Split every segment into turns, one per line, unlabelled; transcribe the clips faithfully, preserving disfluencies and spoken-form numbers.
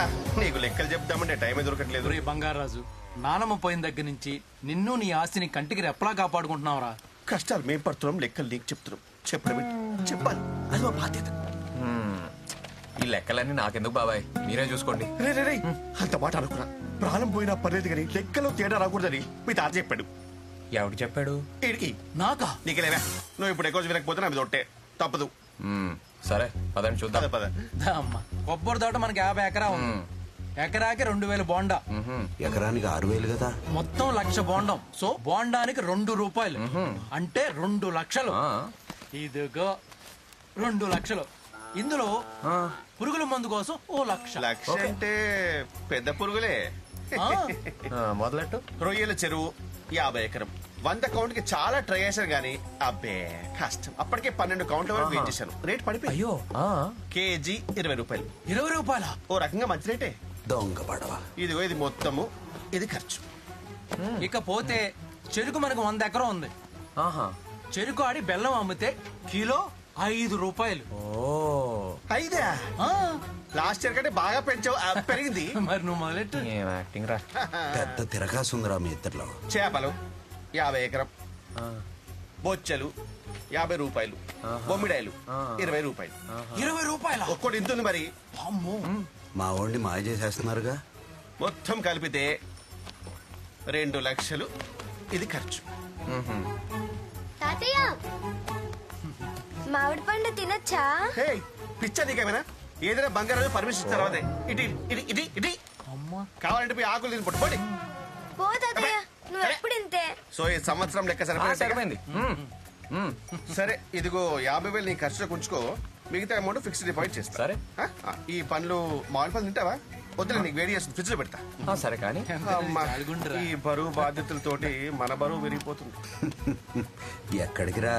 నీకు లెక్కలు చెప్దామంటే టైమే దొరకట్లేదు.
రే బంగారాజు, నానమ్మ పోయిన దగ్గర నుంచి నిన్ను నీ ఆస్తిని కంటికి రెప్పలా కాపాడుకుంటున్నావురా.
కష్టాలు మేం పడుతున్నాం, లెక్కలు నీకు చెప్తున్నాం. చెప్పడం చెప్పాలి, అది మా బాధ్యత.
ఈ లెక్కలన్నీ నాకెందుకు బాబాయ్, మీరే చూసుకోండి.
రే రే రే అంత మాట అనుకున్నా. ప్రాణం పోయినా పర్లేదు కానీ లెక్కలో తేడా రాకూడదని మీ తాత చెప్పాడు.
ఎవడు చెప్పాడు?
ఈడికి.
నాకా?
నీకెలేవా, నువ్వు ఇప్పుడు ఎక్కువ వినకపోతే నా మీద ఒట్టే తప్పదు.
మ్మ్, సరే పదండి చూద్దాం.
పద పద.
దా అమ్మా, కొబ్బరి తోట మనకి యాభై ఎకరా ఉంది. ఎకరాకి రెండు వేల బోండా,
ఎకరానికి ఆరు వేలు కదా.
మొత్తం లక్ష బోండం. సో బోండానికి రెండు రూపాయలు అంటే రెండు లక్షలు. ఇదిగో రెండు లక్షలు. ఇందులో పురుగుల మందు కోసం ఓ లక్ష.
లక్ష అంటే పెద్ద పురుగులే.
ఆ,
మొదలెట్టు.
రొయ్యల చెరువు యాభై ఎకరం. వంద కౌంట్ కి చాలా ట్రై చేశాను గానీ అబ్బే కష్టం. అప్పటికే పన్నెండు కౌంట్ల వరకు వెయిట్ చేశాను. రేట్ పడిపోయి
అయ్యో,
కేజీ ఇరవై రూపాయలు.
ఇరవై రూపాయల
ఓ రకంగా మంచి రేటే.
దొంగ పడవ.
ఇదిగో ఇది మొత్తము, ఇది ఖర్చు.
ఇకపోతే చెరుకు మనకు వంద ఎకరం ఉంది.
ఆహా,
చెరుకు ఆడి బెల్లం అమ్మితే కిలో ఐదు రూపాయలు.
ఓ
ఐదా?
ఆ,
లాస్ట్ ఇయర్ కంటే బాగా పెంచావు. ఆ, పెరిగింది.
మరి నువ్వు మొదలెట్టు.
ఏం యాక్టింగ్ రా.
పెద్ద తిరగాసుందిరా మీ ఇద్దరిలో.
చేపలు యాభై ఎకరం. బొచ్చలు యాభై రూపాయలు. బొమ్మిడాయలు ఇరవై రూపాయలు.
ఇరవై రూపాయల
ఒక్కోటి ఇంతుంది మరి.
అమ్మో,
మా వాడిని మాయ చేసేస్తున్నారుగా.
మొత్తం కలిపితే రెండు లక్షలు. ఇది ఖర్చు.
తాతయ్య మామిడి పండు తినచ్చా?
హే పిచ్చా నీకేమైనా? ఏదైనా బంగారం పర్మిషన్ ఇచ్చిన తర్వాతే ఇటు ఇటు ఇటు ఇటు
అమ్మా,
కావాలంటే పోయి ఆకులు తిని పట్టుకోండి.
పో తాతయ్య, నువ్వు ఎప్పుడు ఇంతే.
సో ఈ సంవత్సరం లెక్క
ఆ,
సరిపోయింది.
సరిపోయింది. మ్మ్, మ్మ్.
సరే ఇదిగో యాభై వేలు నీ ఖర్చులో ఉంచుకో. మిగతా అమౌంట్ ఫిక్స్డ్ డిపాజిట్ చేస్తా.
సరే.
ఆ, ఆ, ఈ పండ్లు మామిడి పండ్లు తింటావా? వద్దులే, నీకు వేడి చేస్తుంది, ఫ్రిడ్జ్ లో పెడతా.
ఆ, సరే కానీ
అమ్మా,
జాలిగుండురా.
ఈ బరువు బాధ్యతలతోటి మన బరువు విరిగిపోతుంది.
ఎక్కడికి రా.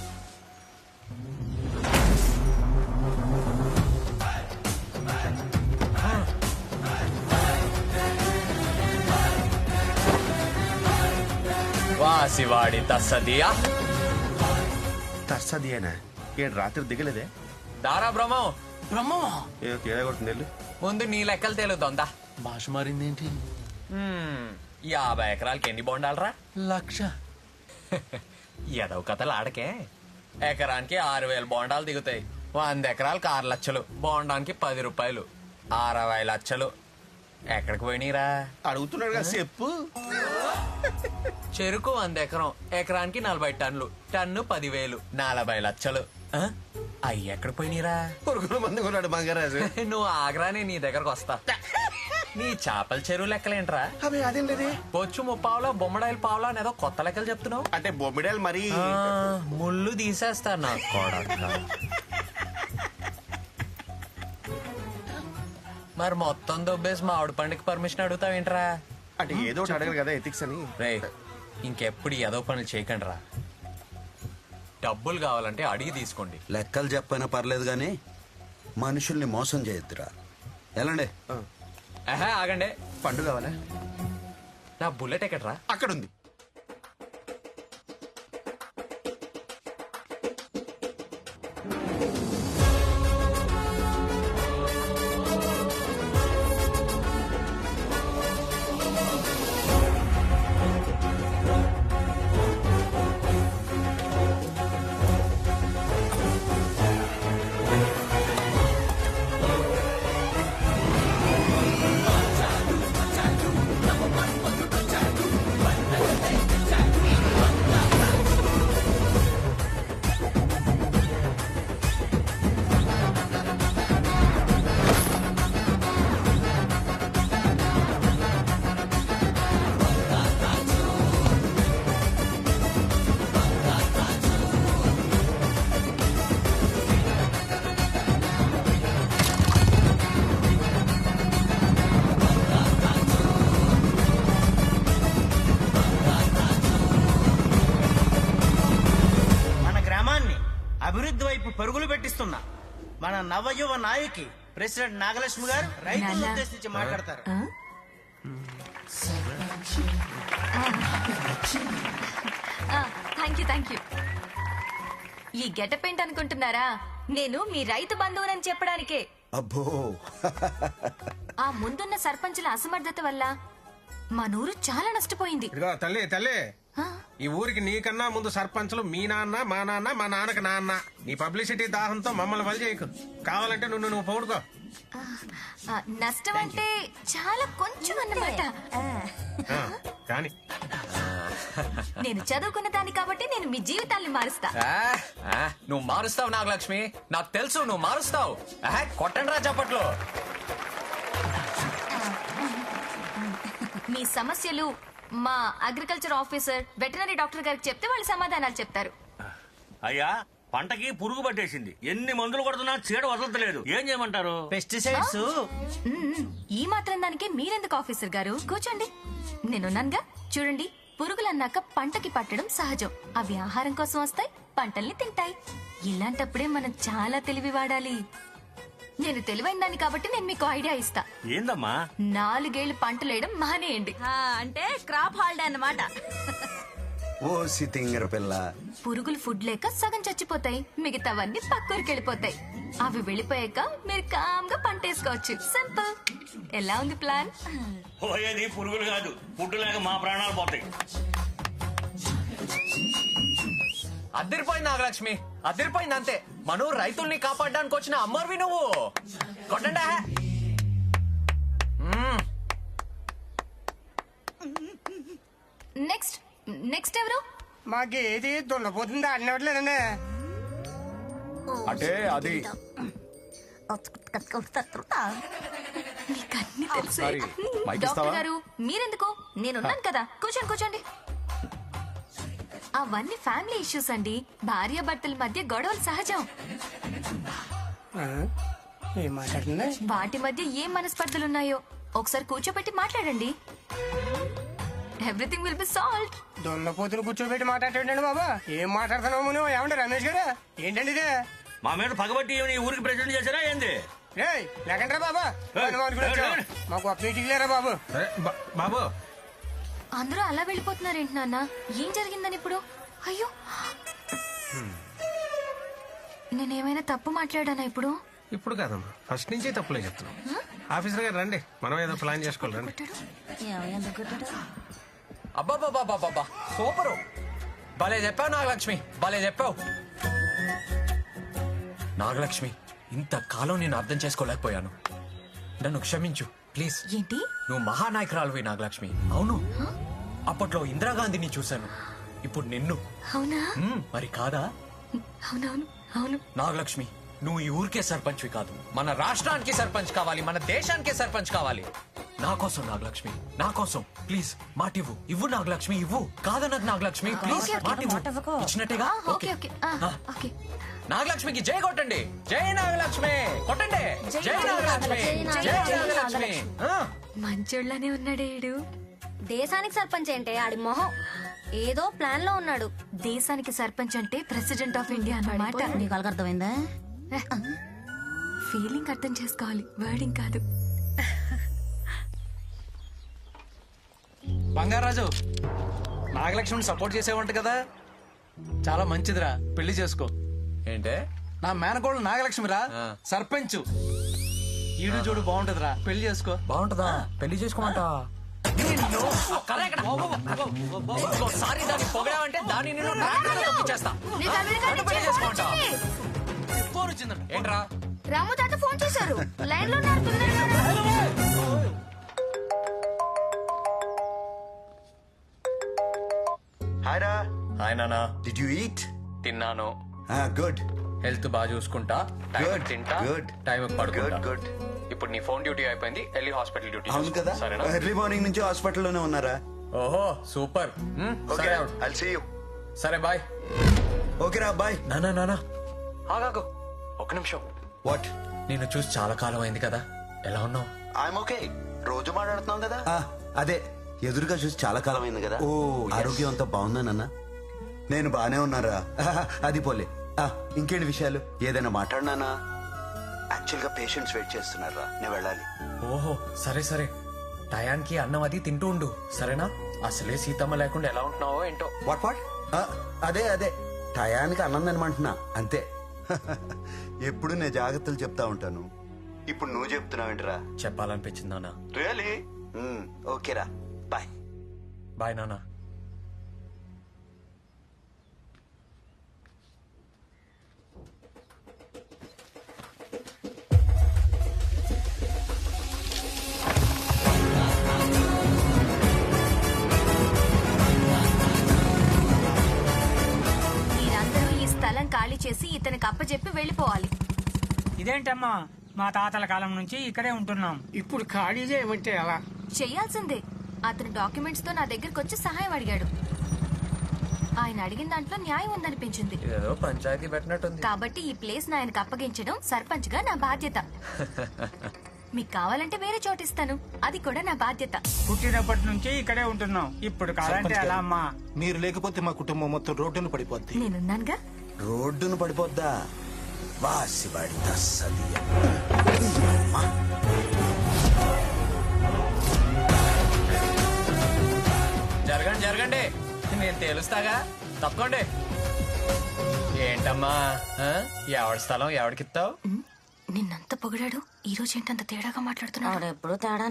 వాసివాడి తస్సదియా
తర్సదియేనా? ఏడు రాత్రి దిగలేదే?
దారా బ్రహ్మం,
బ్రహ్మమా?
ఏదో తేడా కొడుతుంది వెళ్ళు.
ముందు నీ లెక్కలు తేలుద్దా.
భాష మారిందేంటి?
యాభై ఎకరాలకి ఎన్ని బొండాలరా?
లక్ష.
ఎదవ కథలు ఆడకే. ఎకరానికి ఆరు వేల బోండాలు దిగుతాయి. వంద ఎకరాలకు ఆరు లక్షలు. బోండానికి పది రూపాయలు, అరవై లక్షలు. ఎక్కడికి పోయినీరా?
అడుగుతున్నాడు కదా చెప్పు.
చెరుకు వంద ఎకరం, ఎకరానికి నలభై టన్నులు. టన్ను పదివేలు, నలభై లక్షలు. ఆ? అయ్యి ఎక్కడికి పోయినీరా?
పురుగుల మంది కొన్నాడు బంగారాజు.
నువ్వు ఆగ్రానే నీ దగ్గరకు వస్తా. నీ చేపల చెరువు లెక్కలేంట్రా?
అవి అదేం లేదే.
బొచ్చు ముప్పావులా, బొమ్మడాయిల పావులా అనేదో కొత్త లెక్కలు చెప్తున్నావు.
అంటే బొమ్మిడాలు మరి.
ఆ, ముళ్ళు తీసేస్తా నా కొడక. మరి మొత్తం దొబ్బేసి మామిడి పండుగ పర్మిషన్ అడుగుతావేంట్రా?
అంటే ఏదో ఒకటి అడగరు కదా ఎథిక్స్ అని.
రే, ఇంకెప్పుడు ఏదో పనులు చేయకండి రా. డబ్బులు కావాలంటే అడిగి తీసుకోండి.
లెక్కలు చెప్పైనా పర్లేదు గాని మనుషుల్ని మోసం చేయొద్దురా. ఎలాండే
ఆహా, ఆగండి.
పండు కావాలా?
నా బుల్లెట్ ఎక్కడ్రా?
అక్కడ ఉంది.
అభివృద్ధి వైపు పరుగులు పెట్టిస్తున్న మన నవయువ నాయకి ప్రెసిడెంట్ నాగలక్ష్మి గారు రైతులను ఉద్దేశించి మాట్లాడతారు.
Thank you thank you. ఈ గెటప్ ఏంటి అనుకుంటున్నారా? నేను మీ రైతు బంధువునని చెప్పడానికే.
అబ్బో
ఆ ముందున్న సర్పంచుల అసమర్థత వల్ల మనూరు చాలా నష్టపోయింది.
ఇదిగో తల్లి తల్లి
ఆ,
ఈ ఊరికి నీకన్నా ముందు సర్పంచులు మీ నాన్న మా నాన్న మా నాన్నకి నాన్న నీ పబ్లిసిటీ దాహంతో మమ్మల్ని వలి చేయకు. కావాలంటే నువ్వు నువ్వు పౌడుకో.
ఆ, నష్టం అంటే చాలా కొంచెం అన్నమాట.
ఆ, కానీ
నేను చదువుకున్న దాన్ని కాబట్టి నేను మీ జీవితాల్ని మారుస్తా.
ఆ, ఆ, నువ్వు మారుస్తావు నాగలక్ష్మి, నాకు తెలుసు నువ్వు మారుస్తావు. ఆహా, కొట్టండి రా చప్పట్లు.
మీ సమస్యలు మా అగ్రికల్చర్ ఆఫీసర్ వెటనరీ డాక్టర్ గారికి చెప్తే వాళ్ళు సమాధానాలు చెప్తారు.
అయ్యా పంటకి పురుగు పట్టేసింది. ఎన్ని మందులు కొడుతున్నా చీడ వదలట్లేదు. ఏం చేయమంటారు?
Pesticides
hmm. ఈ మాత్రం దానికి మీరెందుకు ఆఫీసర్ గారు? కూర్చోండి, నేనున్నానుగా. చూడండి, పురుగులన్నాక పంటకి పట్టడం సహజం. అవి ఆహారం కోసం వస్తాయి, పంటల్ని తింటాయి. ఇలాంటప్పుడే మనం చాలా తెలివి వాడాలి. నేను తెలివైన దాన్ని కాబట్టి నేను మీకు ఐడియా ఇస్తా.
ఏందమ్మా?
నాలుగేళ్లు పంటలేయడం మానేయండి.
అంటే క్రాప్ హాలిడే అన్నమాట.
ఓ సితింగర పిల్ల.
పురుగులు ఫుడ్ లేక సగం చచ్చిపోతాయి, మిగతావన్నీ పక్కూరికి వెళ్ళిపోతాయి. అవి వెళ్ళిపోయాక మీరు కామ్గా పంట వేసుకోవచ్చు. సింపుల్. ఎలా ఉంది ప్లాన్?
పోయేది పురుగులు కాదు, పుట్టు లేక మా ప్రాణాలు పోతాయి.
అద్దరిపోయింది నాగలక్ష్మి, అద్దరిపోయింది అంతే. మనం రైతుల్ని కాపాడడానికి వచ్చిన అమ్మర్వి నువ్వు. కొట్టండి. మ్మ్.
నెక్స్ట్ నెక్స్ట్ ఎవరు?
మాకేది దున్నపోతుంది అన్నట్లేదండి.
అంటే అది
మీకన్నీ తెలుసు.
సారీ, మైక్ ఇస్తావా?
డాక్టర్ గారు మీరెందుకు? నేనున్నాను కదా. కూర్చోండి కూర్చోండి. అవన్నీ ఫ్యామిలీ ఇష్యూస్ అండి. భార్య భర్తల మధ్య గొడవలు సహజం.
ఏం మాట్లాడుతుంది?
వాటి మధ్య ఏం మనస్పర్ధలున్నాయో ఒకసారి కూర్చోబెట్టి మాట్లాడండి. Everything will be solved.
దున్నపోతులు కూర్చోబెట్టి మాట్లాడండి బాబా. ఏం మాట్లాడుతున్నావు నువ్వు? ఏమంటే రమేష్ గారు ఏంటండి ఇది?
మా మీద పగబట్టి ఈ ఊరికి ప్రెసిడెంట్ చేశారా ఏంది?
లేకంటారా బాబా?
ఏయ్,
మాకు అప్డేట్ లేరా బాబు? బాబు
అందరూ అలా వెళ్ళిపోతున్నారేంటి నాన్న? ఏం జరిగిందని ఇప్పుడు? అయ్యో, నేనేమైనా తప్పు మాట్లాడానా ఇప్పుడు?
ఇప్పుడు కాదమ్మా, ఫస్ట్ నుంచి తప్పులే చెప్తున్నాం. ఆఫీసర్ గారు రండి, మనం ఏదో ప్లాన్ చేసుకోవాలి రండి.
అబ్బాబాబాబాబా, సూపరు. భలే చెప్పావు నాగలక్ష్మి, భలే చెప్పావు. నాగలక్ష్మి, ఇంతకాలం నేను అర్థం చేసుకోలేకపోయాను. నన్ను క్షమించు ప్లీజ్.
ఏంటి?
నువ్వు మహానాయకురాలువి నాగలక్ష్మి. అవును, అప్పట్లో ఇందిరాగాంధీని చూశాను, ఇప్పుడు నిన్ను.
అవునా?
మ్మ్, మరి కాదా?
అవునవును అవును.
నాగలక్ష్మి, నువ్వు ఈ ఊరికే సర్పంచ్వి కాదు, మన రాష్ట్రానికి సర్పంచ్ కావాలి, మన దేశానికే సర్పంచ్ కావాలి. నా కోసం నాగలక్ష్మి, నా కోసం ప్లీజ్ మాటివ్వు. ఇవ్వు నాగలక్ష్మి, ఇవ్వు. కాదన్నది నాగలక్ష్మి, ప్లీజ్
ఓకే, ఓకే.
మాటివ్వు. ఇచ్చినట్టేగా?
ఆ, ఓకే ఓకే ఆ,
ఆ.
ఓకే.
నాగలక్ష్మికి జై కొట్టండి. జై నాగలక్ష్మి కొట్టండి. జై నాగలక్ష్మి, జై నాగలక్ష్మి. ఆ.
మంచోళ్ళనే ఉన్నాడే ఈడు.
దేశానికి సర్పంచ్ ఏంటే ఆడి మొహం ఏదో ప్లాన్ లో ఉన్నాడు.
దేశానికి సర్పంచ్ అంటే ప్రెసిడెంట్ ఆఫ్ ఇండియా అన్నమాట.
నీకు అర్థమైందా?
ఫీలింగ్ అర్థం చేసుకోవాలి, వర్డింగ్ కాదు.
బంగారాజు, నాగలక్ష్మిని సపోర్ట్ చేసేవంట కదా, చాలా మంచిదిరా. పెళ్లి చేసుకో.
ఏంటే?
నా మేనకోళ్ళు నాగలక్ష్మిరా,
ఆ.
సర్పంచ్. ఈడు చూడు బాగుంటదిరా, పెళ్లి చేసుకో.
బాగుంటుందా? పెళ్లి చేసుకోమంట. ఇంకోసారి దాన్ని పొగడావంటే దాన్ని నేను ట్రాక్టర్లో తొక్కించేస్తా. నన్ను పెళ్లి చేసుకోమంటా?
ఫోన్ వచ్చిందంట.
ఏంట్రా?
రాము తాత ఫోన్ చేశారు. లైన్ లో ఉన్నారు పిల్లలు.
హాయ్ రా.
హాయ్ నానా.
Did you eat?
తిన్నాను.
గుడ్.
హెల్త్ బాగా చూసుకుంటా, టైం
Good,
తింటా,
good.
టైం పడుకుంటా.
Good, good.
ఇప్పుడు నీ ఫోన్ డ్యూటీ అయిపోయింది, వెళ్ళి హాస్పిటల్ డ్యూటీ
అవును
చూసుకో.
కదా,
సరేనా?
ఎర్లీ మార్నింగ్ నుంచి హాస్పిటల్లోనే ఉన్నారా?
ఓహో సూపర్. మ్, సరే అవుట్.
I'll see you.
సరే బాయ్.
ఓకే రా, బాయ్.
నానా నానా ఆగాకు ఒక నిమిషం.
వాట్?
నేను చూసి చాలా కాలం అయింది కదా, ఎలా ఉన్నావు?
I'm okay. రోజు మాట్లాడుతున్నాం కదా. అదే, ఎదురుగా చూసి చాలా కాలం అయింది కదా. ఓ, ఆరోగ్యం అంతా బాగుందానన్నా? నేను బానే ఉన్నారా. అది పోలే. ఆ, ఇంకేంటి విషయాలు? ఏదైనా మాట్లాడినానా? యాక్చువల్ గా పేషెంట్స్ వెయిట్ చేస్తున్నారా, నేను వెళ్ళాలి.
ఓహో సరే సరే, టయానికి అన్నం అది తింటూ ఉండు, సరేనా? అసలే సీతమ్మ లేకుండా ఎలా ఉంటున్నావో ఏంటో.
What what? అదే అదే, టయానికి అన్నం తినమంటున్నా అంతే. ఎప్పుడు నేను జాగ్రత్తలు చెప్తా ఉంటాను, ఇప్పుడు నువ్వు చెప్తున్నావేంటిరా?
చెప్పాలనిపించింది నాన్న.
రియలీ? ఓకేరా, బాయ్.
బాయ్ నాన్న.
మీరందరూ ఈ స్థలం ఖాళీ చేసి ఇతనికి అప్పచెప్పి వెళ్ళిపోవాలి.
ఇదేంటమ్మా, మా తాతల కాలం నుంచి ఇక్కడే ఉంటున్నాం.
ఇప్పుడు ఖాళీ చేయమంటే ఎలా?
చెయ్యాల్సిందే. అతను డాక్యుమెంట్స్ తో నా దగ్గరకు వచ్చి సహాయం అడిగాడు. ఆయన అడిగిన దాంట్లో న్యాయం ఉందనిపించింది.
ఇదేదో పంచాయతీ పెట్టినట్టుంది.
కాబట్టి ఈ ప్లేస్ ఆయనకు అప్పగించడం సర్పంచ్ గా నా బాధ్యత. మీకు కావాలంటే వేరే చోటు ఇస్తాను, అది కూడా నా బాధ్యత.
పుట్టినప్పటి నుంచి ఇక్కడే ఉంటున్నాం. ఇప్పుడు కావాలంటే ఎలా అమ్మా?
మీరు లేకపోతే మా కుటుంబం మొత్తం రోడ్డును పడిపోద్ది.
నేనున్నానుగా.
రోడ్డును పడిపోద్దా? వాసివాడి తస్సది.
జరగండి జరగండి, నేను తేలుస్తాగా, తప్పకోండి. ఏంటమ్మా, ఆ? ఎవడి స్థలం ఎవడికిస్తావు?
నిన్నంత పొగిడాడు, ఈ రోజు ఏంటంత తేడాగా మాట్లాడుతున్నాడు?
ఎప్పుడు తేడా